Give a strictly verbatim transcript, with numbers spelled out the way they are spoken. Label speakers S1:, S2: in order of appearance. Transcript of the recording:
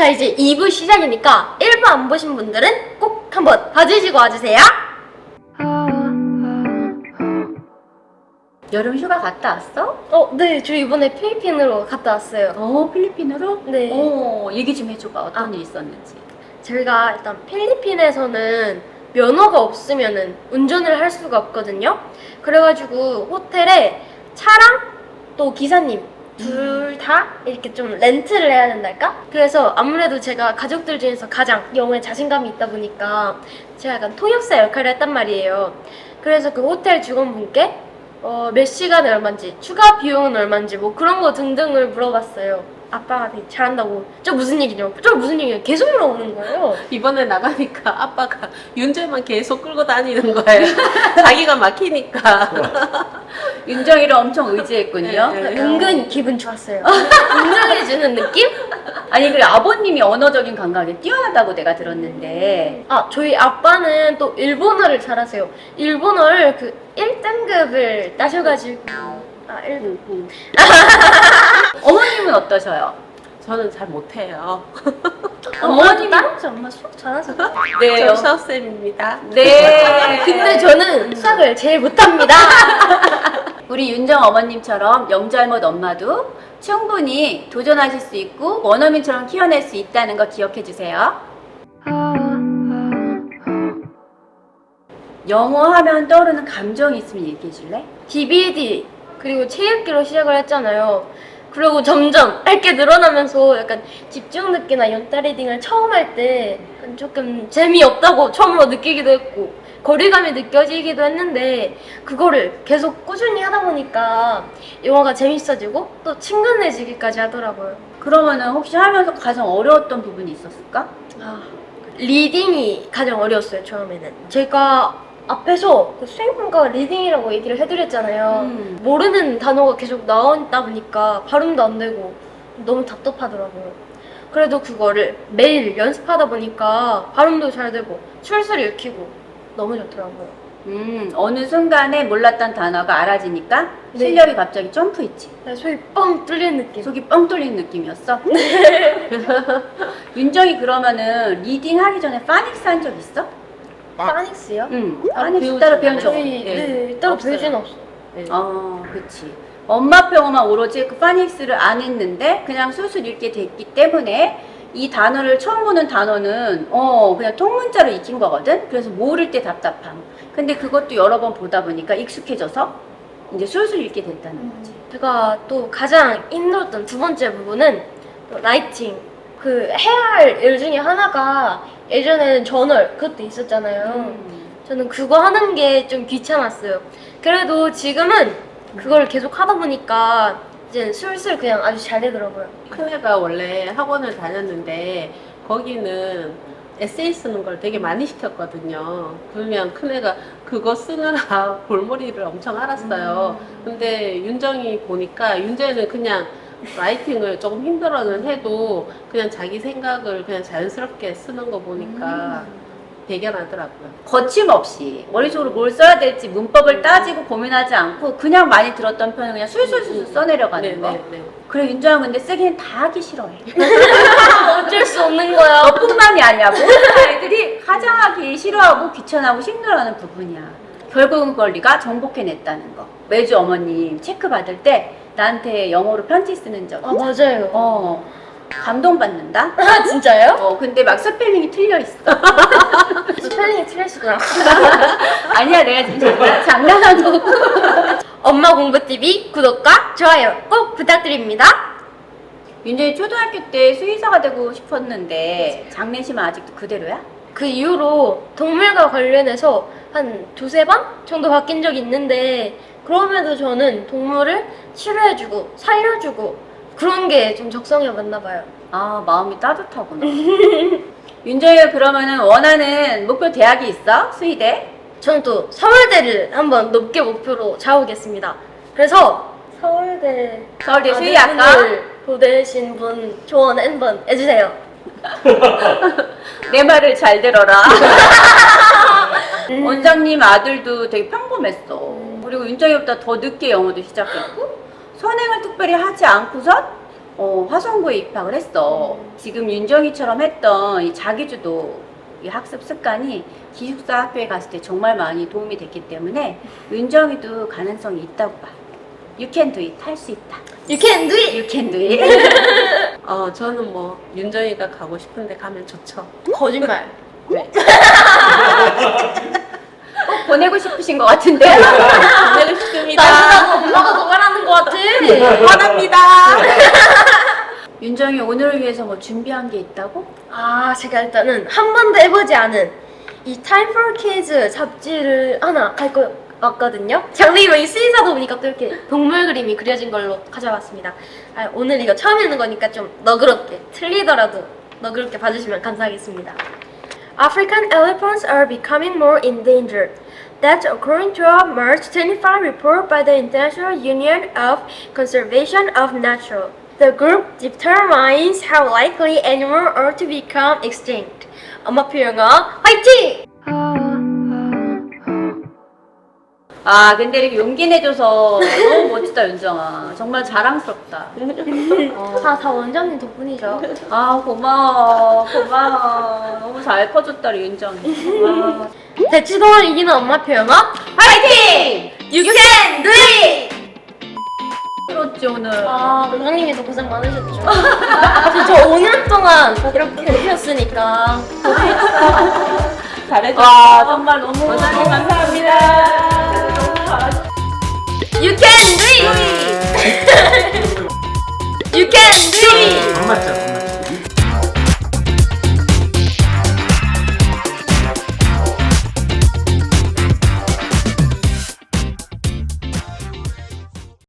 S1: 자, 이제 이 부 시작이니까 일 부 안 보신 분들은 꼭 한번 봐주시고 와주세요.
S2: 여름 휴가 갔다 왔어?
S1: 어, 네, 저 이번에 필리핀으로 갔다 왔어요.
S2: 어, 필리핀으로?
S1: 네.
S2: 어, 얘기 좀 해줘봐. 어떤
S1: 아.
S2: 일 있었는지.
S1: 저희가 일단 필리핀에서는 면허가 없으면은 운전을 할 수가 없거든요. 그래가지고 호텔에 차랑 또 기사님 둘 다 이렇게 좀 렌트를 해야 된달까? 그래서 아무래도 제가 가족들 중에서 가장 영어에 자신감이 있다 보니까 제가 약간 통역사 역할을 했단 말이에요. 그래서 그 호텔 직원분께 어, 몇 시간에 얼마인지, 추가 비용은 얼마인지 뭐 그런 거 등등을 물어봤어요. 아빠가 되게 잘한다고. 저 무슨 얘기냐고. 저 무슨 얘기냐고 계속 물어보는 거예요.
S3: 이번에 나가니까 아빠가 윤재만 계속 끌고 다니는 거예요. 자기가 막히니까.
S2: 윤정이를 엄청 의지했군요.
S3: 네, 네.
S1: 은근 기분 좋았어요. 인정해주는 느낌?
S2: 아니, 그래, 아버님이 언어적인 감각이 뛰어나다고 내가 들었는데.
S1: 아, 저희 아빠는 또 일본어를 잘하세요. 일본어를 그 일 등급을 따셔가지고. 아, 일 등급.
S2: 음, 음. 어머님은 어떠셔요?
S3: 저는 잘 못해요.
S1: 어머님이 다른 엄마 수학 잘하세요.
S2: 네.
S3: 저 수학쌤입니다.
S2: 네.
S1: 근데 저는 수학을 제일 못합니다.
S2: 우리 윤정 어머님처럼 영잘못 엄마도 충분히 도전하실 수 있고 원어민처럼 키워낼 수 있다는 거 기억해 주세요. 영어 하면 떠오르는 감정이 있으면 얘기해 줄래?
S1: 디비디 그리고 체육기로 시작을 했잖아요. 그리고 점점 알게 늘어나면서 약간 집중 듣기나 연타 리딩을 처음 할 때 조금 재미없다고 처음으로 느끼기도 했고 거리감이 느껴지기도 했는데 그거를 계속 꾸준히 하다 보니까 영어가 재밌어지고 또 친근해지기까지 하더라고요.
S2: 그러면은 혹시 하면서 가장 어려웠던 부분이 있었을까?
S1: 아, 리딩이 가장 어려웠어요. 처음에는 제가 앞에서 그 수행평가 리딩이라고 얘기를 해드렸잖아요.
S2: 음.
S1: 모르는 단어가 계속 나오다 보니까 발음도 안 되고 너무 답답하더라고요. 그래도 그거를 매일 연습하다 보니까 발음도 잘 되고 출수를 익히고 너무 좋더라고요.
S2: 음, 어느 순간에 몰랐던 단어가 알아지니까
S1: 네.
S2: 실력이 갑자기 점프했지.
S1: 네, 속이 뻥 뚫리는 느낌.
S2: 속이 뻥 뚫린 느낌이었어? 윤정이 그러면은 리딩 하기 전에 파닉스 한 적 있어?
S1: 파닉스요?
S2: 응.
S3: 아,
S2: 파닉스
S3: 배우지
S2: 따로 배운 적 없어?
S1: 네,
S3: 네.
S1: 네, 따로
S3: 없어요.
S1: 배우진 없어.
S3: 네.
S2: 어, 그치. 엄마 병어만 오로지 그 파닉스를 안 했는데 그냥 술술 읽게 됐기 때문에 이 단어를 처음 보는 단어는 어 그냥 통문자로 익힌 거거든. 그래서 모를 때 답답함. 근데 그것도 여러 번 보다 보니까 익숙해져서 이제 술술 읽게 됐다는 거지.
S1: 제가 또 가장 힘들었던 두 번째 부분은 또 라이팅. 그 해야 할 일 중에 하나가 예전에는 저널 그것도 있었잖아요.
S2: 음.
S1: 저는 그거 하는 게 좀 귀찮았어요. 그래도 지금은 그걸 계속 하다 보니까 이제 슬슬 그냥 아주 잘 되더라고요.
S3: 큰애가 원래 학원을 다녔는데 거기는 에세이 쓰는 걸 되게 많이 시켰거든요. 그러면 큰애가 그거 쓰느라 골머리를 엄청 앓았어요. 근데 윤정이 보니까 윤정이는 그냥 라이팅을 조금 힘들어는 해도 그냥 자기 생각을 그냥 자연스럽게 쓰는 거 보니까 대견하더라고요.
S2: 거침없이 머릿속으로 뭘 써야 될지 문법을 따지고 고민하지 않고 그냥 많이 들었던 편을 그냥 술술술 써내려가는
S3: 네,
S2: 거.
S3: 네, 네.
S2: 그래, 윤정은 근데 쓰기는 다 하기 싫어해.
S1: 어쩔 수 없는 거야.
S2: 너뿐만이 아니야. 모든 아이들이 가장 하기 싫어하고 귀찮아하고 힘들어하는 부분이야. 결국은 그걸 네가 정복해냈다는 거. 매주 어머님 체크 받을 때 나한테 영어로 편지 쓰는 적
S1: 아, 맞아요.
S2: 어, 감동받는다?
S1: 아, 진짜요?
S2: 어, 근데 막 스펠링이 틀려 있어.
S1: 스펠링이 틀렸구나.
S2: 아니야, 내가 지금 장난- 장난하는 거고.
S1: 엄마 공부티비 구독과 좋아요 꼭 부탁드립니다.
S2: 윤정이 초등학교 때 수의사가 되고 싶었는데 장례식은 아직도 그대로야?
S1: 그 이후로 동물과 관련해서 한 두세 번 정도 바뀐 적이 있는데 그럼에도 저는 동물을 치료해주고 살려주고 그런 게 좀 적성에 맞나 봐요.
S2: 아, 마음이 따뜻하구나. 윤정이가 그러면은 원하는 목표 대학이 있어? 수의대?
S1: 저는 또 서울대를 한번 높게 목표로 잡으겠습니다. 그래서 서울대
S2: 서울대 수의학과?
S1: 아들분을 보내신 분 조언 한번 해주세요.
S2: 내 말을 잘 들어라. 원장님 아들도 되게 평범했어. 그리고 윤정이보다 더 늦게 영어도 시작했고 선행을 특별히 하지 않고선 어, 화성고에 입학을 했어. 지금 윤정이처럼 했던 이 자기주도 이 학습 습관이 기숙사 학교에 갔을 때 정말 많이 도움이 됐기 때문에 윤정이도 가능성이 있다고 봐. You can do it. 할 수 있다.
S1: You can do it!
S2: You can do it.
S3: 어, 저는 뭐 윤정이가 가고 싶은데 가면 좋죠.
S1: 거짓말.
S2: 꼭 보내고 싶으신 것 같은데.
S3: 보내고 싶습니다.
S1: 나보다도 엄마가 더 말하는 것 같아.
S3: 화납니다.
S2: 윤정이 오늘을 위해서 뭐 준비한 게 있다고?
S1: 아, 제가 일단은 한 번도 해보지 않은 이 Time for Kids 잡지를 하나 갈 거 같거든요. 장르가 이 수의사도 보니까 또 이렇게 동물 그림이 그려진 걸로 가져왔습니다. 아, 오늘 이거 처음 읽는 거니까 좀 너그럽게, 틀리더라도 너그럽게 봐주시면 감사하겠습니다. African elephants are becoming more endangered. That's according to a March twenty-fifth report by the International Union of Conservation of Nature. The group determines how likely animals are to become extinct. 엄마표 영어 화이팅!
S2: 아, 근데 이렇게 용기 내줘서 너무 멋지다, 윤정아. 정말 자랑스럽다. 어.
S1: 다, 다 원장님 덕분이죠.
S2: 아, 고마워. 고마워. 너무 잘 커줬다, 우리 윤정이. 아.
S1: 대치동을 이기는 엄마표 영어 화이팅! You can do it!
S2: 그렇지, 오늘.
S1: 아, 원장님이 더 고생 많으셨죠. 저 오 년 동안 이렇게 해주셨으니까.
S3: 잘해줘.
S2: 와, 정말 너무.
S3: 원장님 감사합니다.
S1: You can do it! You can do it!
S4: 안 맞죠?